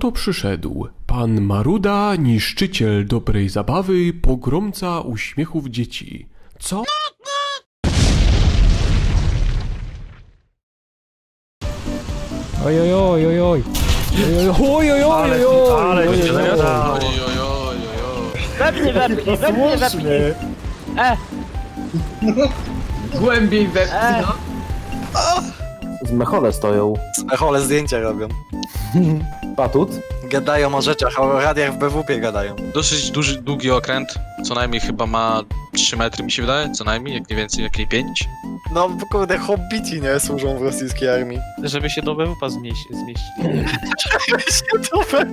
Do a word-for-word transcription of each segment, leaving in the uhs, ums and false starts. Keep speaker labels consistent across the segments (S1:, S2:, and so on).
S1: Oto przyszedł pan Maruda, niszczyciel dobrej zabawy, pogromca uśmiechów dzieci. Co?
S2: Oj, oj, oj, oj, oj. Oj, oj, oj, oj, oj,
S3: Ale
S2: oj,
S3: cię
S2: oj, oj.
S3: zadało.
S4: Wepnij, wepnij, wepnij, wepnij. E,
S5: Głębiej wepchnij, no.
S6: Z mechole stoją.
S3: Smechole zdjęcia robią.
S6: Patut?
S3: Gadają o rzeczach, o radiach w B W P gadają.
S7: Dosyć duży, długi okręt, co najmniej chyba ma trzy metry mi się wydaje, co najmniej, jak nie więcej, jak nie pięć.
S3: No kurde, hobbici nie służą w rosyjskiej armii.
S8: Żeby się do B W P zmieścić. zmieścić.
S3: się to we...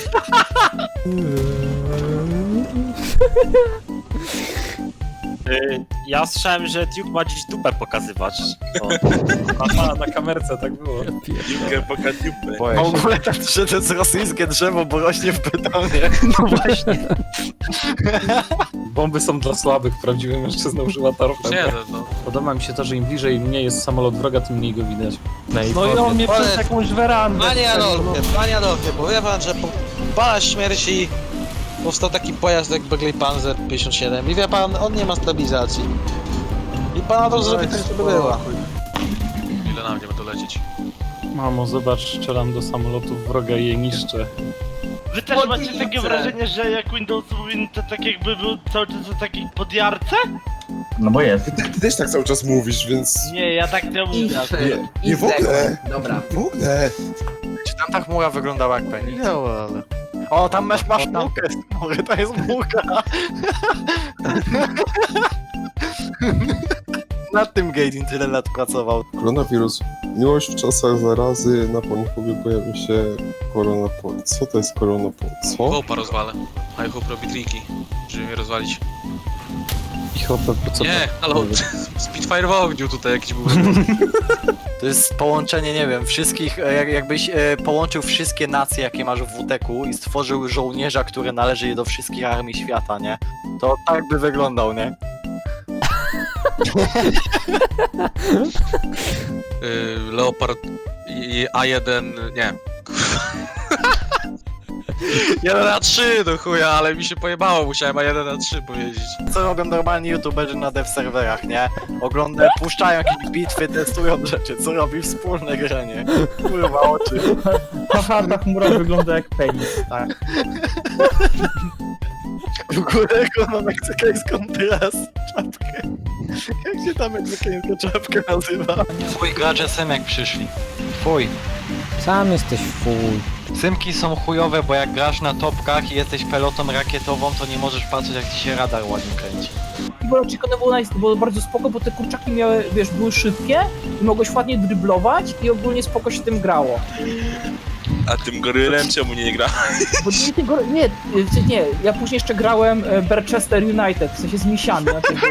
S8: Y, Ja słyszałem, że Duke ma dziś dupę pokazywać. O.
S9: Aha, na kamerce tak było. Duke poka dupę.
S3: W ogóle tak, że to jest rosyjskie drzewo, bo rośnie w betonie.
S8: No właśnie.
S9: Bomby są dla słabych, prawdziwy mężczyzna używa torped.
S7: Nie, no.
S9: Podoba mi się to, że im bliżej mnie jest samolot wroga, tym mniej go widać.
S8: No i on mnie przez jakąś werandę.
S10: Panie Adolfie, panie Adolfie, powiem wam, że po pana śmierci powstał taki pojazd jak Begley Panzer pięćdziesiąt siedem i wie pan, on nie ma stabilizacji. I pan Adolf zrobi tak, żeby była.
S7: Ile na mnie będą lecieć?
S9: Mamo, zobacz, strzelam do samolotów wroga i je niszczę.
S4: wy też macie takie wrażenie, że jak Windows powinien to tak jakby był cały czas na takiej podjarce?
S6: No bo jest.
S11: Ty też tak cały czas mówisz, więc...
S4: Nie, ja tak nie mówię.
S11: Nie, nie w ogóle!
S5: Dobra.
S11: W ogóle!
S3: Czy tam ta chmura wyglądała jak penis? Nie, ale... O, tam masz, masz mułkę z chmury, to jest mułka. Nad tym Gaydin tyle lat pracował.
S11: Koronawirus. Miłość w czasach zarazy. Na Pornhubie pojawił się koronapol. Co to jest koronapol? Co?
S7: Hopa rozwalę. A Hope robi triki, żeby mnie rozwalić.
S9: I hopę, po co
S7: Nie,
S9: to?
S7: halo, Spitfire w ogniu tutaj jakiś był.
S3: To jest połączenie, nie wiem, wszystkich, e, jak, jakbyś e, połączył wszystkie nacje, jakie masz w W T K u i stworzył żołnierza, który należy do wszystkich armii świata, nie? To tak by wyglądał, nie?
S7: Yy, Leopard i A jeden, nie. jeden A trzy do chuja, ale mi się pojebało, musiałem A jeden A trzy powiedzieć.
S3: Co robią normalni youtuberzy na dev serwerach, nie? Oglądają, puszczają jakieś bitwy, testują rzeczy, co robi wspólne granie. Kurwa oczy.
S8: Haha, ta chmura wygląda jak penis, tak.
S3: W ogóle ma meksykańską teraz czapkę. Jak się ta meksykańska czapka nazywa? Twój gracze Symek przyszli. Twój.
S2: Sam jesteś fuj.
S3: Symki są chujowe, bo jak grasz na topkach i jesteś pelotą rakietową, to nie możesz patrzeć, jak ci się radar ładnie kręci.
S4: Bo Chicken było, nice, było bardzo spoko, bo te kurczaki miały, wiesz, były szybkie i mogłeś ładnie dryblować i ogólnie spoko się tym grało.
S9: A tym gorylem czemu nie gra?
S4: Bo nie, nie, nie, nie, ja później jeszcze grałem e, Manchester United, w sensie zmiesiany na tym.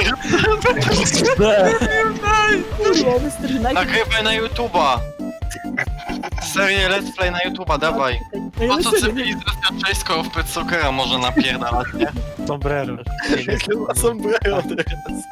S4: Manchester United.
S3: Nagrywaj na YouTube'a! Serię Let's Play na YouTube'a, dawaj! Po co cywilizacja czeska w Pet Soccera może napierdalać, nie?
S8: Sombrero.
S3: Jakie ma sombrero teraz?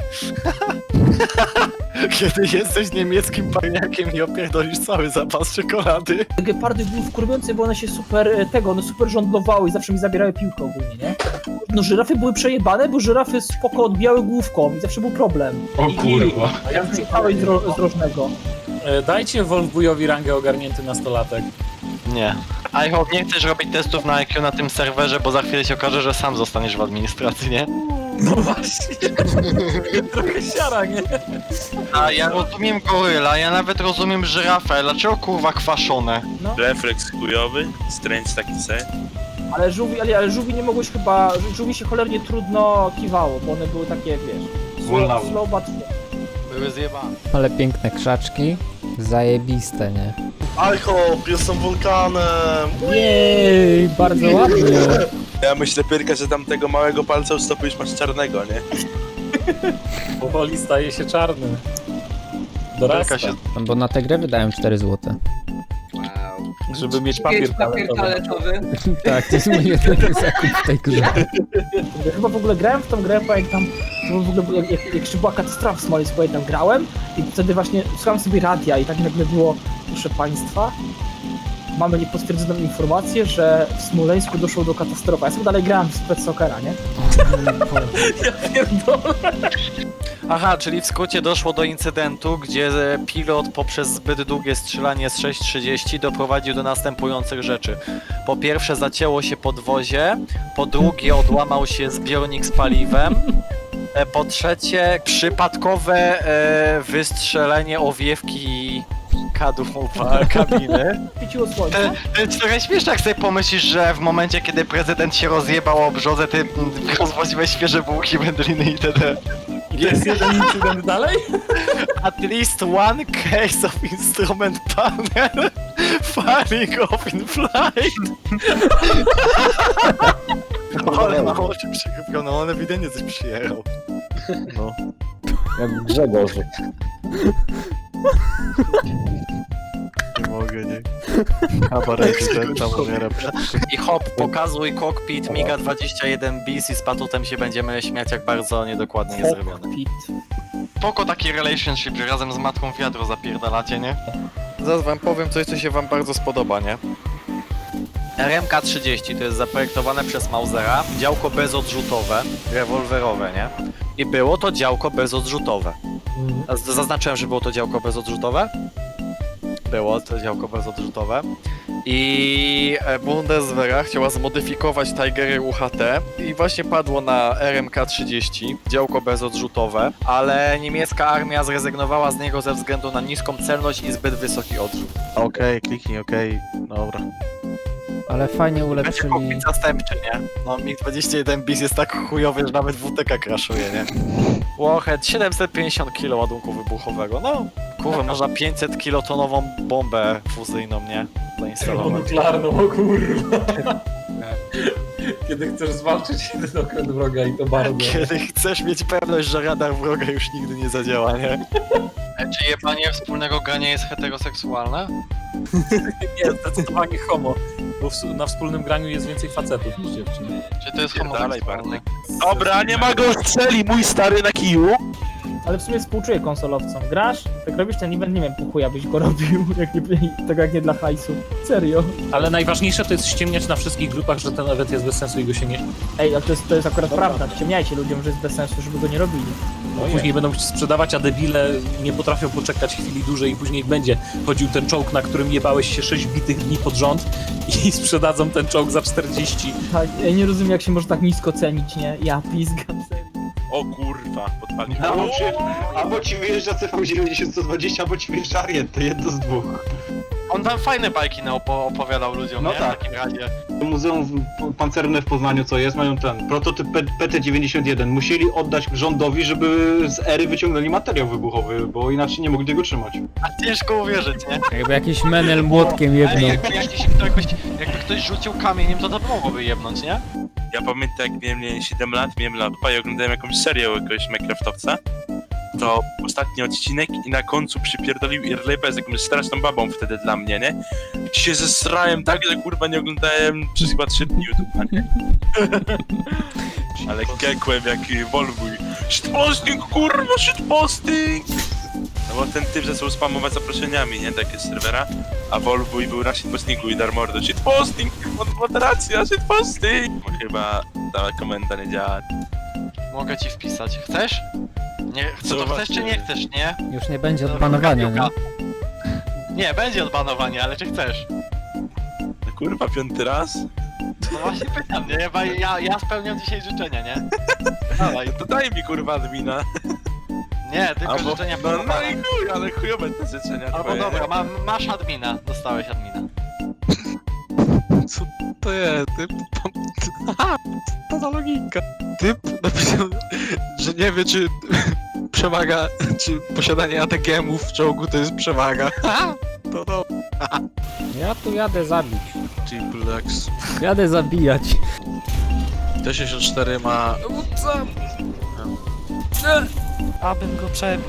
S3: Kiedy jesteś niemieckim parniakiem i opierdolisz cały zapas czekolady.
S4: Gepardy były wkurwiące, bo one się super, e, tego, one super żądlowały i zawsze mi zabierały piłkę ogólnie, nie? No żyrafy były przejebane, bo żyrafy spoko odbijały główką i zawsze był problem.
S5: O kurwa.
S4: A ja zjechałeś z, ro, z rożnego.
S9: E, Dajcie Wolfbujowi rangę ogarnięty nastolatek.
S3: Nie. I hope nie chcesz robić testów na I Q na tym serwerze, bo za chwilę się okaże, że sam zostaniesz w administracji, nie?
S9: No właśnie. Trochę siara, nie?
S3: A ja rozumiem goryla, ja nawet rozumiem żyrafę, dlaczego kurwa kwaszone?
S9: Refleks chujowy, stręcz taki se.
S4: Ale żółwi, ale, ale żółwi nie mogłeś chyba, żółwi się cholernie trudno kiwało, bo one były takie, wiesz, slow, slow but...
S3: Były zjebane.
S2: Ale piękne krzaczki. Zajebiste, nie?
S11: I hope, jestem wulkanem!
S2: Jej, bardzo ładnie.
S9: Ja myślę, Pyrka, że tam tego małego palca ustąpisz, masz czarnego, nie? Powoli staje się czarny. Dorasta.
S3: Się...
S2: No bo na tę grę wydałem cztery złote.
S5: Wow.
S9: Żeby mieć papier
S5: papier toaletowy.
S2: Tak, to jest mój jedyny zakup w tej grze.
S4: Ja chyba w ogóle grałem w tą grę, pamiętam, że w ogóle jak, jak, jak jeszcze była katastrofa w Smoleńsku, pamiętam, grałem i wtedy właśnie słuchałem sobie radia i tak nagle było, proszę państwa, mamy niepotwierdzoną informację, że w Smoleńsku doszło do katastrofy. Ja sobie dalej grałem w Spec Soccera, nie? Ja pierdolę.
S3: Aha, czyli w skrócie doszło do incydentu, gdzie pilot poprzez zbyt długie strzelanie z sześć trzydzieści doprowadził do następujących rzeczy. Po pierwsze zacięło się podwozie, po drugie odłamał się zbiornik z paliwem, e, po trzecie przypadkowe e, wystrzelenie owiewki kadłub kabiny.
S4: Świeciło słońce.
S3: To jest trochę śmieszne, jak sobie pomyślisz, że w momencie, kiedy prezydent się rozjebał o brzozę, ty mm, rozwoziłeś świeże bułki, wędliny itd.
S9: Jest jeden incydent dalej?
S3: At least one case of instrument panel falling off in flight. Ale mało oczy przykrypiono, on ewidentnie coś przyjechał. No.
S6: Jak Grzegorz.
S3: Nie mogę, nie. Kabaret prezydenta umiera. I hop, pokazuj cockpit Miga dwadzieścia jeden bis i z patutem się będziemy śmiać, jak bardzo niedokładnie jest zrobione.
S4: Pit.
S3: Spoko taki relationship, że razem z matką wiadro zapierdalacie, nie? Zaraz wam powiem coś, co się wam bardzo spodoba, nie? R M K trzydzieści to jest zaprojektowane przez Mausera, działko bezodrzutowe, rewolwerowe, nie? I było to działko bezodrzutowe. Z- Zaznaczyłem, że było to działko bezodrzutowe? Było to działko bezodrzutowe. I e, Bundeswehra chciała zmodyfikować Tigery U H T i właśnie padło na R M K trzydzieści, działko bezodrzutowe, ale niemiecka armia zrezygnowała z niego ze względu na niską celność i zbyt wysoki odrzut. Okej, okay, kliknij, okej, okay. Dobra.
S2: Ale fajnie
S3: Będzie
S2: ulepszyli...
S3: kokpit zastępczy, nie? No Mig dwadzieścia jeden bis jest tak chujowy, że nawet W T K crashuje, nie? Warhead siedemset pięćdziesiąt kilo ładunku wybuchowego, no kurwa, można pięćset kilotonową bombę fuzyjną, nie? Zainstalować.
S9: Nuklearną, o kurwa. Kiedy chcesz zwalczyć jeden okręt wroga i to bardzo.
S3: Kiedy chcesz mieć pewność, że radar wroga już nigdy nie zadziała, nie? Czy jebanie wspólnego grania jest heteroseksualne?
S9: Nie, zdecydowanie homo. Bo w, na wspólnym graniu jest więcej facetów niż dziewczyn.
S3: Czy to jest homoseksualne?
S9: Dobra, nie ma go strzeli, mój stary na kiju.
S4: Ale w sumie współczuję konsolowcom. Grasz? Tak robisz ten event, nie wiem, po chuja byś go robił, jak nie, tak jak nie dla hajsu. Serio.
S9: Ale najważniejsze to jest ściemniać na wszystkich grupach, że ten event jest bez sensu i go się nie...
S4: Ej, ale to jest, to jest akurat prawda. Ciemniajcie ludziom, że jest bez sensu, żeby go nie robili.
S9: No później będą sprzedawać, a debile nie potrafią poczekać chwili dłużej i później będzie chodził ten czołg, na którym jebałeś się sześć bitych dni pod rząd i sprzedadzą ten czołg za czterdzieści.
S4: Tak, ja nie rozumiem, jak się może tak nisko cenić, nie? Ja pizgam serio.
S9: O kurwa, podpalił.
S5: Albo ci, albo ci wyjeżdża C V dziewięćdziesiąt sto dwadzieścia, albo ci wyjeżdża Ariet, to jedno z dwóch.
S3: On tam fajne bajki na opo- opowiadał ludziom,
S5: No
S3: nie?
S5: tak.
S3: W takim razie.
S5: Muzeum w- Pancerne w Poznaniu, co jest, mają ten prototyp P T dziewięćdziesiąt jeden. Musieli oddać rządowi, żeby z ery wyciągnęli materiał wybuchowy, bo inaczej nie mogli tego trzymać.
S3: A ciężko uwierzyć, nie?
S2: Jakby jakiś menel młotkiem
S3: Ej,
S2: jedną.
S3: jakby, jakiś, jakbyś, jakby ktoś rzucił kamieniem, to to mogłoby jebnąć, nie?
S9: Ja pamiętam, jak miałem nie, siedem lat, miałem laptopa i oglądałem jakąś serię o jakiegoś Minecraftowca. To ostatni odcinek i na końcu przypierdolił Irlepa z jakąś straszną babą wtedy dla mnie, nie? I się zesrałem tak, że kurwa nie oglądałem przez chyba trzy dni YouTube'a, nie? Ale kekłem jak Wolwuj. Shitposting, kurwa, shitposting! No bo ten typ zaczął spamować zaproszeniami, nie? Takie z serwera. A Wolwuj był na shitpostingu i darmordo. Shitposting, moderacja, shitposting! Bo chyba ta komenda nie działa.
S3: Mogę ci wpisać. Chcesz? Nie, chcesz, to
S9: Zobacz,
S3: chcesz czy nie chcesz, nie?
S2: Już nie będzie odbanowania, nie?
S3: Nie, będzie odbanowanie, ale czy chcesz?
S9: No kurwa, piąty raz?
S3: No właśnie pytam, nie? Bo ja, ja spełniam dzisiaj życzenia, nie? Dawaj.
S9: To daj mi kurwa admina.
S3: Nie, tylko
S9: Albo,
S3: życzenia
S9: no, no
S3: podobane.
S9: i chuj, ale chujowe te życzenia
S3: Albo
S9: twoje.
S3: dobra, ma, masz admina. Dostałeś admina.
S7: Co to jest? Typ... Aha, to ta logika. Typ napisał, że nie wie, czy przewaga, czy posiadanie A T G emów w czołgu to jest przewaga. Ha! To to.
S2: Ja tu jadę zabić.
S7: Triple X.
S2: Jadę zabijać.
S7: T sześćdziesiąt cztery ma...
S8: Abym go przebił.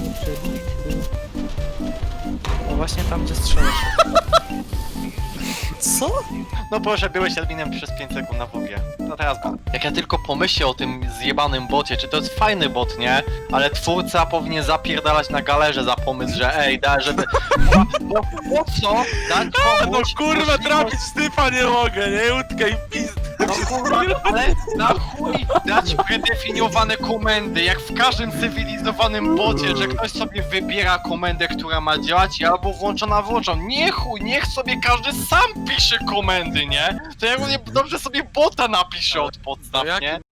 S8: No właśnie tam, gdzie strzelasz.
S10: Co?
S3: No proszę, byłeś adminem przez pięć sekund na W G. No teraz go. Jak ja tylko pomyślę o tym zjebanym bocie, czy to jest fajny bot, nie? Ale twórca powinien zapierdalać na galerze za pomysł, że ej, da, żeby... Bo, bo po co dać
S9: No
S3: komuś
S9: kurwa,
S3: możliwość-
S9: trafić stypa nie mogę, nie? Łódkę i pizd.
S3: No kurwa, ale na chuj dać predefiniowane komendy, jak w każdym cywilizowanym bocie, że ktoś sobie wybiera komendę, która ma działać i albo włączona, włączona. Nie chuj, niech sobie każdy sam pisze komendy, nie? To ja równie dobrze sobie bota napiszę od podstaw,
S9: No jak-
S3: nie?